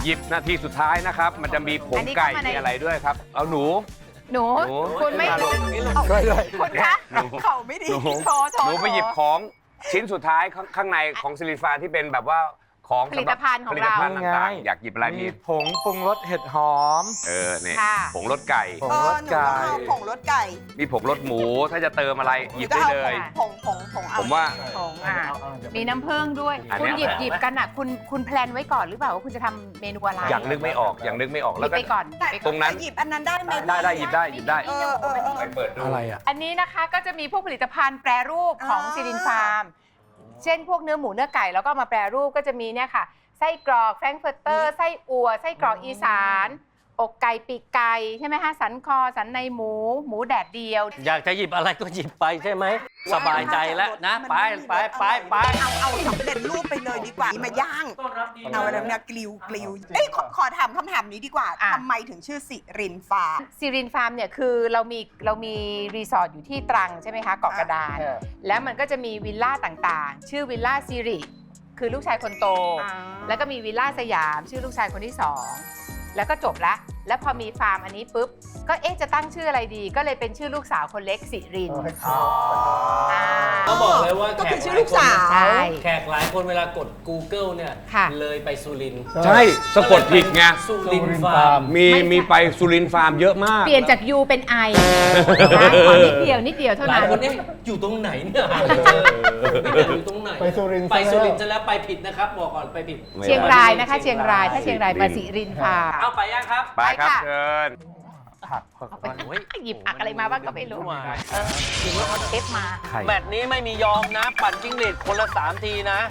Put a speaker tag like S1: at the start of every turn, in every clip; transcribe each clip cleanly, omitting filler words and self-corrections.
S1: หยิบนาทีสุดท้ายนะครับ มันจะมีผงไก่มีอะไรด้วยครับ เอาหนู
S2: คุณไม่
S3: ช่วยด้วย
S2: คุณคะเขาไม่ดีโชว์
S1: หนูไปหยิบของชิ้นสุดท้ายข้างในของซิลิฟานที่เป็นแบบว่าของ
S2: ผลิตภัณฑ์ของเรา
S1: ต่างๆอยากหยิบอะไรมี
S3: ผงปรุงรสเห็ดหอม
S1: เนี่ยผงรสไก่
S3: ผงรสไก่
S2: ผงรสไก่
S1: มีผงรสหมูถ้าจะเติมอะไรหยิบได้เลย
S2: ผง
S1: ผมว่า
S2: ผงมีน้ำผึ้งด้วยคุณหยิบกันอ่ะคุณแพลนไว้ก่อนหรือเปล่าว่าคุณจะทำเมนูอะไร
S1: อย่างนึกไม่ออกแล้วก็
S2: ไปก่อน
S1: ตรงนั้น
S2: หยิบอันนั้นได้ไหม
S1: ได้หยิบได้ไปเปิดดู
S3: อะไรอ่ะ
S2: อันนี้นะคะก็จะมีพวกผลิตภัณฑ์แปรรูปของซิลินฟาร์มเช่นพวกเนื้อหมูเนื้อไก่แล้วก็มาแปรรูปก็จะมีเนี่ยค่ะไส้กรอกแฟรงก์เฟิร์เตอร์ไส้อั่วไส้กรอกอีสานอกไก่ปีกไก่ใช่ไหมคะสันคอสันในหมูแดดเดียว
S4: อยากจะหยิบอะไรก็หยิบไปใช่ไหมสบายใจแล้วนะไป
S2: เอาสำเร็จรูปไปเลยดีกว่ามาย่างเอาอะไรนะกลิวเอ้ยขอถามคำถามนี้ดีกว่าทำไมถึงชื่อสิรินฟาร์มสิรินฟาร์มเนี่ยคือเรามีรีสอร์ทอยู่ที่ตรังใช่ไหมคะเกาะกระดานแล้วมันก็จะมีวิลล่าต่างๆชื่อวิลล่าสิริคือลูกชายคนโตแล้วก็มีวิลล่าสยามชื่อลูกชายคนที่2แล้วก็จบละแล้วพอมีฟาร์มอันนี้ปุ๊บก็จะตั้งชื่ออะไรดีก็เลยเป็นชื่อลูกสาวคนเล็กสิริน
S4: ก็บอกเลยว่า
S2: ก็คือชื่อลูกสาว
S4: แขกหลายคนเวลากด Google เนี่ยเลยไปสุรินทร์
S1: ใช่สะกดผิดไง
S4: สุรินทร์ฟาร์ม
S1: มีไปสุรินทร์ฟาร์มเยอะมาก
S2: เปลี่ยนจาก U เป็น I ขอนิดเดียวเท่านั้น
S4: หลายคนเนี่ยอยู่ตรงไหนเนี่ยอยู่ตรงไหน
S3: ไปสุรินทร์
S4: จะแล้วไปผิดนะครับบอกก่อนไปผิด
S2: เชียงรายนะคะเชียงรายถ้าเชียงรายมาสิรินฟาร์ม
S4: เอาไปยังครับ
S1: ไปครับเชิญ
S2: หยิบอะไรมาบ้างก็ไม่รู้หยิบเอาเทปมา
S4: แมตช์นี้ไม่มียอมนะปั่นจิ้งหรีดคนละ3 ทีนะ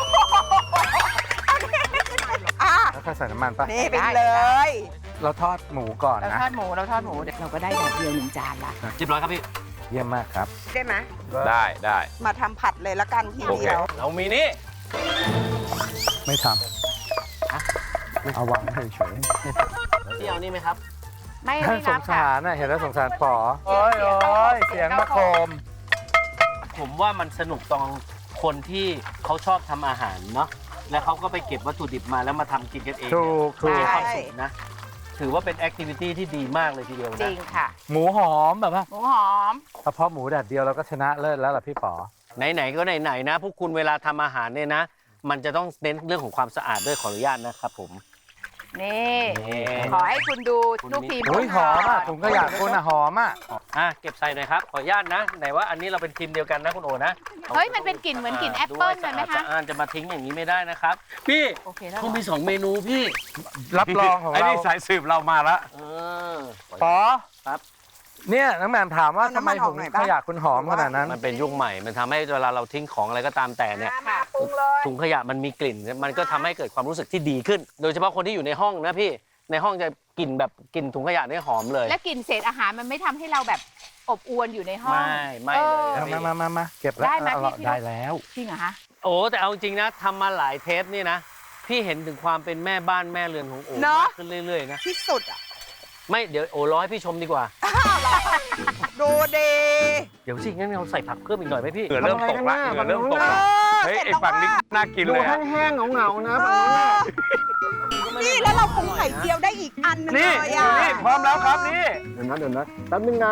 S3: แล้วก็ใส่น้ำมันปะ
S2: นี่ไปเลย
S3: เราทอดหมูก่อนนะ
S2: เราทอดหมูเราก็ได้แบบเดียว1 จานละ
S4: เรียบร้อยครับพี่
S3: เยี่ยมมากครับ
S2: ได้ไหม
S1: ได้
S2: มาทำผัดเลยละกันทีเดียว
S4: เรามีนี่
S3: ไม่ทำเอาวางเฉย
S4: พี่เอานี่ไหมครับ
S2: ไม่
S3: สงสารน่ะเห็นแล้วสงสารป๋อโอ้ยเสียงมะโคม
S4: ผมว่ามันสนุกตรงคนที่เขาชอบทำอาหารเนาะแล้วเขาก็ไปเก็บวัตถุดิบมาแล้วมาทำกินกันเอง
S3: ถูก
S4: มีความสุขนะถือว่าเป็นแอคทิวิตี้ที่ดีมากเลยทีเดียวนะ
S2: จริงค่ะ
S3: หมูหอมแบบว่า
S2: หมูหอม
S3: เฉพาะหมูแดดเดียวเราก็ชนะเลิศแล้วล่ะพี่ป๋อ
S4: ไหนๆก็ไหนๆนะพวกคุณเวลาทำอาหารเนี่ยนะมันจะต้องเน้นเรื่องของความสะอาดด้วยขออนุญาตนะครับผม
S2: นี่ขอให้คุณดูลูกทีม
S3: หอมอ่ะผมก็อยากคุณอ่ะหอมอ่ะ
S4: เก็บใส่หน่อยครับขออนุญาตนะไหนว่าอันนี้เราเป็นทีมเดียวกันนะคุณโอนะ
S2: เฮ้ยมันเป็นกลิ่นเหมือนกลิ่นแอปเปิ้ลเลยไหมคะ
S4: จะมาทิ้งอย่างนี้ไม่ได้นะครับพี่เขามี2 เมนูพี่
S3: รับรองของเรา
S1: ไอ้นี่สายสืบเรามาแล้ว
S3: ป๋อ
S4: ครับ
S3: เนี่ยน้องแหม่มถามว่าทำไมผมขยะคุณหอมขนาดนั้น
S4: มันเป็นยุคใหม่มันทำให้เวลาเราทิ้งของอะไรก็ตามแต่เนี่ยถุงขยะมันมีกลิ่นมันก็ทำให้เกิดความรู้สึกที่ดีขึ้นโดยเฉพาะคนที่อยู่ในห้องนะพี่ในห้องจะกลิ่นแบบกลิ่นถุงขยะนี่หอมเลย
S2: และกลิ่นเศษอาหารมันไม่ทำให้เราแบบอบอวนอยู่ในห้อง
S4: ไม่เลย
S3: มาเก็บแล้วได้แล้ว
S2: จริงเหรอคะ
S4: โอ้แต่เอาจริงนะทำมาหลายเทปนี่นะพี่เห็นถึงความเป็นแม่บ้านแม่เรือนของโอ๋มากขึ้นเรื่อยๆนะ
S2: ที่สุดอ่ะ
S4: ไม่เดี๋ยวโอ๋ร้อยพี่ชมดีกว่า
S2: ดูดี
S4: เดี๋ยวสิงั้นเราใส่ผักเพิ่มอีกหน่อยไหมพี่
S1: เริ่มตกละเริ่มตกละเฮ้ยไอ้ฝั่งนี้น่ากินเลย
S3: แห้งๆเหงาๆนะ
S2: นี่แล้วเราปรุงไข่เจียวได้อีกอันนึงเลยอ่ะ
S1: นี่พร้อมแล้วครับนี่
S3: เดี๋ยวนะแป๊บนึงนะ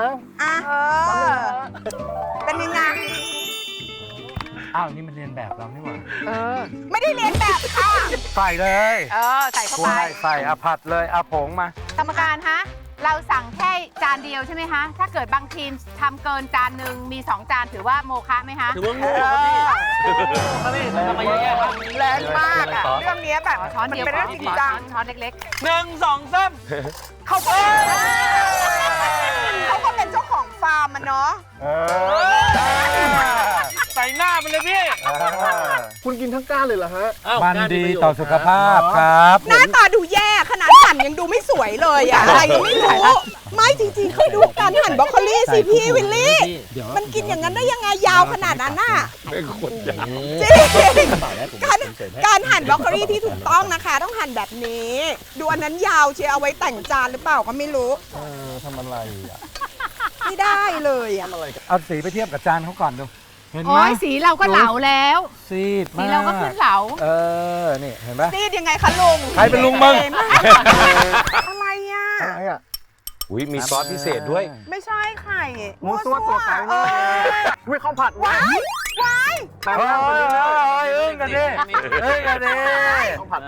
S2: เป็นยังไง
S3: อ้าวนี่มันเรียนแบบเรานี่หว่า
S2: ไม่ได้เรียนแบบค่ะ
S3: ใส่เลย
S2: ใส่เข้าไป
S3: ใส่ผัดเลยผงมาก
S2: รรมการฮะเราสั่งแค่จานเดียวใช่ไหมคะถ้าเกิดบางทีมทำเกินจานหนึ่งมี2 จานถือว่าโมฆะไหมคะ
S4: ถือว่าโง่ครับพี่ทำไมแย่ครับ
S2: แรงมากอ่ะเรื่องนี้แบบช้อนเดียวเป็นเรื่องจริงจังช้อนเล็ก
S4: ๆ1 2 3
S2: เขาเป็นเจ้าของฟาร์มมันเนาะ
S4: ใส่หน้ามันเลยพี่
S3: คุณกินทั้งก้านเลยเหรอฮะมันดีต่อสุขภาพครับ
S2: หน้าตาดูแย่ขนาดหั่นยังดูไม่สวยเลยอะอะไรก็ไม่รู้ไม่จริงๆเคยดูการหั่นบรอกโคลี่สิพี่วิลลี่มันกินอย่างนั้นได้ยังไงยาวขนาดนั้นน่ะ
S1: เป็นคนยาว
S2: จริงการหั่นบรอกโคลี่ที่ถูกต้องนะคะต้องหั่นแบบนี้ดูอันนั้นยาวเชียเอาไว้แต่งจานหรือเปล่าก็ไม่รู้
S3: ทำอะไรอ่ะ
S2: ไม่ได้เลยอ่ะ
S3: เอาสีไปเทียบกับจานเขาก่อนดูเห็นไหม
S5: โอ้ยสีเราก็เหลาแล้ว
S3: ซีด
S5: สี
S3: มาก
S5: เราก็ขึ้นเหลา
S3: นี่เห็นไหม
S2: ซีดยังไงคะลุง
S3: ใครเป็นลุงมึง
S2: อะไรอ่ะ
S3: อะไรอ่ะ
S1: อุ้ยมีซอสพิเศษด้วย
S2: ไม่ใช่ไข่
S3: หมูซั่วตัวไก่
S2: เออ
S3: อุ้ยข้าวผัด
S2: ว้ายว้าย
S3: แต่ว่าอึ้งกันดิอึ้งกันดิข้าวผัด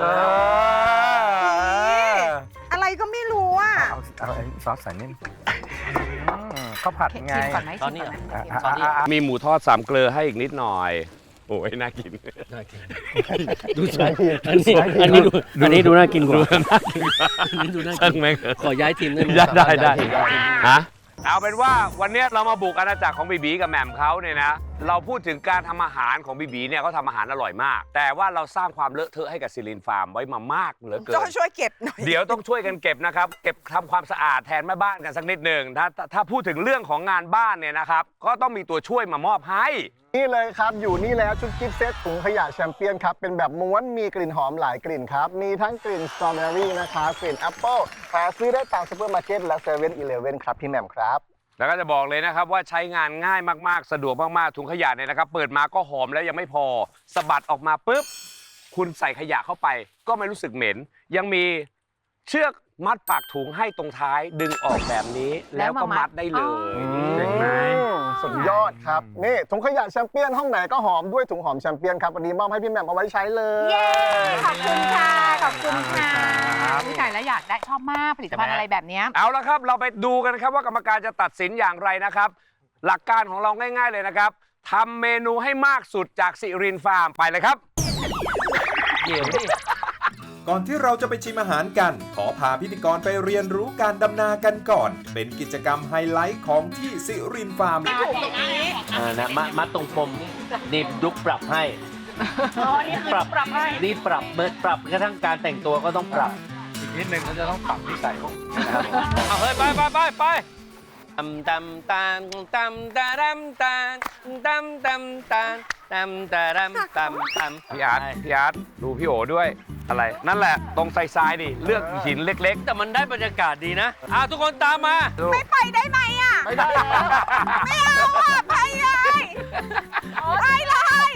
S2: อะไรก็ไม่รู้อ่ะ
S3: เอาซอสใส่นิ่มข้าวผัดไง
S5: ชิมก่อนไหม
S4: ตอนนี้
S5: ชิม
S4: เหร
S5: ก่
S4: อ
S5: อนไหม
S1: มีหมูทอด3 เกลือให้อีกนิดหน่อย โอ้ยน่ากิน
S4: ดูสวยอันนี้ดูน่ากินกว่าอันนี้ดูน่า
S1: ช่าง
S4: กิน
S1: แม่ง
S4: ขอย้ายทีมได้ไหม
S1: ได้ฮะเอาเป็นว่าวันนี้เรามาบุกอาณาจักรของบีบีกับแหม่มเขาเนี่ยนะ เราพูดถึงการทำอาหารของบีบีเนี่ยเขาทำอาหารอร่อยมาก แต่ว่าเราสร้างความเลอะเทอะให้กับซิลินฟาร์มไว้มามากเหลือเกิน
S2: ช่วยเก็บหน่อย
S1: เดี๋ยวต้องช่วยกันเก็บนะครับ เก็บทำความสะอาดแทนแม่บ้านกันสักนิดหนึ่งถ้าพูดถึงเรื่องของงานบ้านเนี่ยนะครับ ก็ต้องมีตัวช่วยมามอบให้
S6: นี่เลยครับอยู่นี่แล้วชุดกิฟต์เซตถุงขยะแชมเปี้ยนครับเป็นแบบม้วนมีกลิ่นหอมหลายกลิ่นครับมีทั้งกลิ่นสตรอเบอรี่นะครับกลิ่นแอปเปิลหาซื้อได้ตามซูเปอร์มาร์เก็ตและเซเว่นอีเลฟเว่นครับพี่แหม่มครับ
S1: แล้วก็จะบอกเลยนะครับว่าใช้งานง่ายมากๆ สะดวกมากๆ ถุงขยะเนี่ยนะครับ เปิดมาก็หอมแล้วยังไม่พอสะบัดออกมาปุ๊บคุณใส่ขยะเข้าไป ก็ไม่รู้สึกเหม็น ยังมีเชือกมัดปากถุงให้ตรงท้ายดึงออกแบบนี้ แล้วก็มัดได้เลย
S3: เจ๋งไหม
S6: สุดยอดครับนี่ถุงขยะแชมเปี้ยนห้องไหนก็หอมด้วยถุงหอมแชมเปี้ยนครับวันนี้มอบให้พี่แหม่มเอาไว้ใช้เลย
S2: เย้ ขอบคุณค่ะ ขอบคุณค่ะ
S5: ผู้ชายแล้วอยากได้ชอบมากผลิตภัณฑ์อะไรแบบเนี้ย
S1: เอาละครับเราไปดูกันครับว่ากรรมการจะตัดสินอย่างไรนะครับ หลักการของเราง่ายๆเลยนะครับทำเมนูให้มากสุดจากสิรินฟาร์มไปเลยครับ
S4: เดี๋ยวดิ
S7: ก่อนที่เราจะไปชิมอาหารกัน ขอพาพิธีกรไปเรียนรู้การดำนากันก่อน เป็นกิจกรรมไฮไลท์ของที่สิรินฟาร์ม
S4: นะมัดตรงปมนี่ดุกปรับให้ปรับให้นี่ปรับเบิร์ดปรับกระทั่งการแต่งตัวก็ต้องปรับ
S3: อีกนิดนึงเขาจะต้องปรับนิสัยของ
S1: เอาเฮ้ยไป
S4: ตำตำตานตำตาดำตานตำตำตานตำตาดำตำตำ
S1: พี่อาร์ตดูพี่โอด้วยอะไร นั่นแหละตรงไซด์ดิเลือกหินเล็ก
S4: แต่มันได้บรรยากาศดีนะทุกคนตามมา
S2: ไม่ไปได้ไหมอ่ะ
S3: ไม่ได้
S2: ไม่เอาอ่ะ ไปเลยไปเลย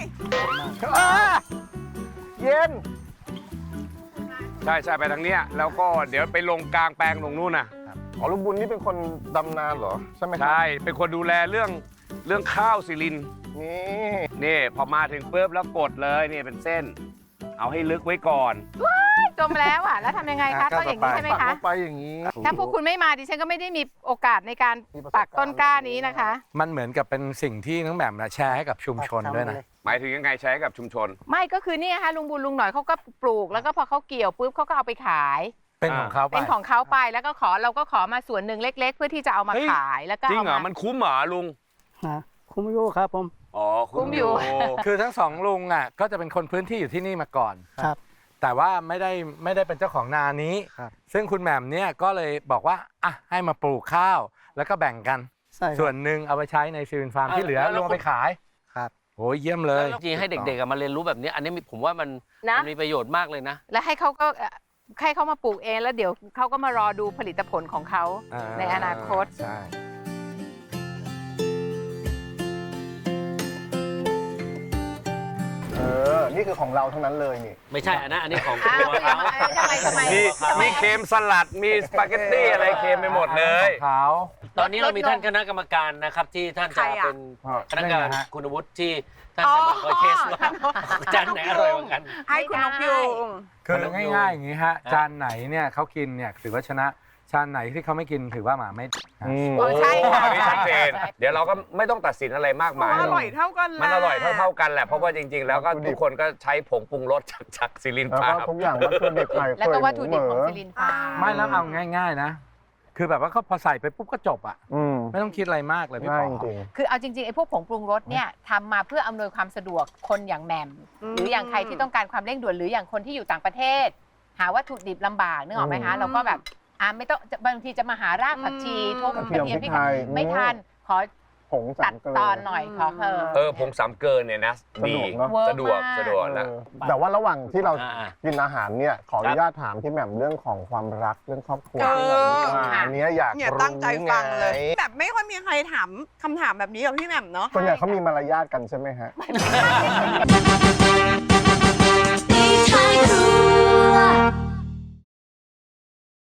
S6: เย็น
S1: ๆ ใช่ไปทางเนี้ยแล้วก็เดี๋ยวไปลงกลางแปลงตรงนู้นน่ะ
S6: อ๋อลุงบุญนี่เป็นคนดำนาเหรอใช่ไหมครับ
S1: ใช่เป็นคนดูแลเรื่องข้าวสิริน
S6: นี่
S1: นี่พอมาถึงปุ๊บแล้วกดเลยนี่เป็นเส้น เอาให้ลึกไว้ก่อน
S5: จมแล้วอ่ะ แล้วทำยังไงคะต้องอย่างนี้ใช่ไหม
S6: ปัก
S5: คะ
S6: ลงไปอย่างนี้
S5: ถ้าพวกคุณไม่มาดิฉันก็ไม่ได้มีโอกาสในการปักต้นกล้านี้นะคะ
S3: มันเหมือนกับเป็นสิ่งที่น้องแหม่มแชร์ให้กับชุมชนด้วยนะ
S1: หมายถึงยังไงใช้กับชุมชน
S5: ไม่ก็คือนี่ค่ะลุงบุญลุงหน่อยเขาก็ปลูก แล้วก็พอเขาเกี่ยวปุ๊บเขาก็เอาไปขาย
S3: เป็นของเขาไป
S5: เป็นของเขาไปแล้วก็เราก็ขอมาส่วนหนึ่งเล็ก ๆ เพื่อที่จะเอามา
S1: เฮ้ย
S5: ขายแล้วก็
S1: จริง
S5: เอา
S1: เหรอ
S5: มา
S1: มันคุ้มเหรอลุง
S8: คุ้มอยู่ครับผม
S1: อ๋อ
S5: คุ้มอยู่
S3: คือทั้งสองลุงก็จะเป็นคนพื้นที่อยู่ที่นี่มาก่อน
S8: ครับ
S3: แต่ว่าไม่ได้เป็นเจ้าของนานี้
S8: ครับ
S3: ซึ่งคุณแหม่มเนี่ยก็เลยบอกว่าอ่ะให้มาปลูกข้าวแล้วก็แบ่งกัน
S8: ใช่ครับ
S3: ส่วนหนึ่งเอาไปใช้ในซิลินฟาร์มที่เหลือ
S4: แล้ว
S3: ลงไปขาย
S8: ครับ
S3: โอ้ยเยี่ยมเลย
S4: จริงให้เด็กๆมาเรียนรู้แบบนี้อันนี้ผมว่ามันมีประโยชน์มากเลยนะ
S5: แล้วให้เขาก็ให้เขามาปลูกเองแล้วเดี๋ยวเขาก็มารอดูผลิตผลของเขาในอนาคต
S3: ใช่
S6: นี่คือของเราทั้งนั้นเลยนี่
S4: ไม่ใช่อันนี้ของ
S5: อ้าว
S4: ตัวเขา
S5: ทำไม
S1: มีเค็มสลัดมีสปาเกตตี้อะไรเค็มไปหมดเลย
S3: ของเขา
S4: ตอนนี้เรามีท่านคณะกรรมการนะครับที่ท่านจะเป็นคณะกรรมการคุณวุฒิที่ท่านจะมาคอยเทสว่าจานไหนอร่อยกว่ากัน
S2: ให้คุณนกยูง
S3: คือง่ายๆอย่างนี้ฮะจานไหนเนี่ยเขากินเนี่ยถือว่าชนะจานไหนที่เขาไม่กินถือว่าหมาไม่
S5: โอ้ใช่ค่ะ
S1: อันนี้ชัดเจนเดี๋ยวเราก็ไม่ต้องตัดสินอะไรมากมาย
S2: อร่อยเท่ากัน
S1: มันอร่อยเท่ากันแหละ เพราะว่าจริง ๆ แล้วก็ทุกคนก็ใช้ผงปรุงรสจากซิลิน
S6: แล้ว
S1: ฟา
S6: ก็
S1: ร์ม
S6: ทุกอย่างวัตถุดิบไข่
S5: แล้วก็วัตถุดิบของซิลินฟาร์ม
S3: ไม่แล้วเอาง่ายๆนะ คือแบบว่าเขาพอใส่ไปปุ๊บก็จบอ่ะ
S6: อืม
S3: ไม่ต้องคิดอะไรมากเลยพี่
S6: ง่าย
S3: ปอ
S6: จริง
S5: คือเอาจริงๆไอ้พวกผงปรุงรสเนี่ยทำมาเพื่ออำนวยความสะดวกคนอย่างแหม่มหรืออย่างใครที่ต้องการความเร่งด่วนหรืออย่างคนที่อยู่ต่างประเทศ หาวัตถุดิบลำบากนึกออกไหมคะเราก็แบบไม่ต้องบางทีจะมาหารากผักชีทุบกระเทียมพริกไม่ทันขอ
S6: ผงสา
S5: ตั
S6: ม
S5: ด
S6: เกลื
S5: ตอนหน่อยขอเธอ
S1: ผงสามเกินเนี่ยนะ
S6: สะ
S1: ดี
S6: ดวกเนอะ
S5: เวิร์ก
S1: สะดวก
S5: มาก
S1: สะดวกนะ
S6: แต่ว่าระหว่างที่เรา
S4: อ่า
S6: กินอาหารเนี่ยขออนุญาตถามพี่แหม่มเรื่องของความรักเรื่องครอบครัว
S2: เออ
S6: อันเนี้ยอยาก
S2: เนี่ย
S6: รู้
S2: ตั้งใจฟังเลย
S6: ไง
S2: แบบไม่ค่อยมีใครถามคำถามแบบนี้กับพี่แหม่มเนาะ
S6: ส่วนใหญ่เขามีมารยาทกันใช่ไหมฮะ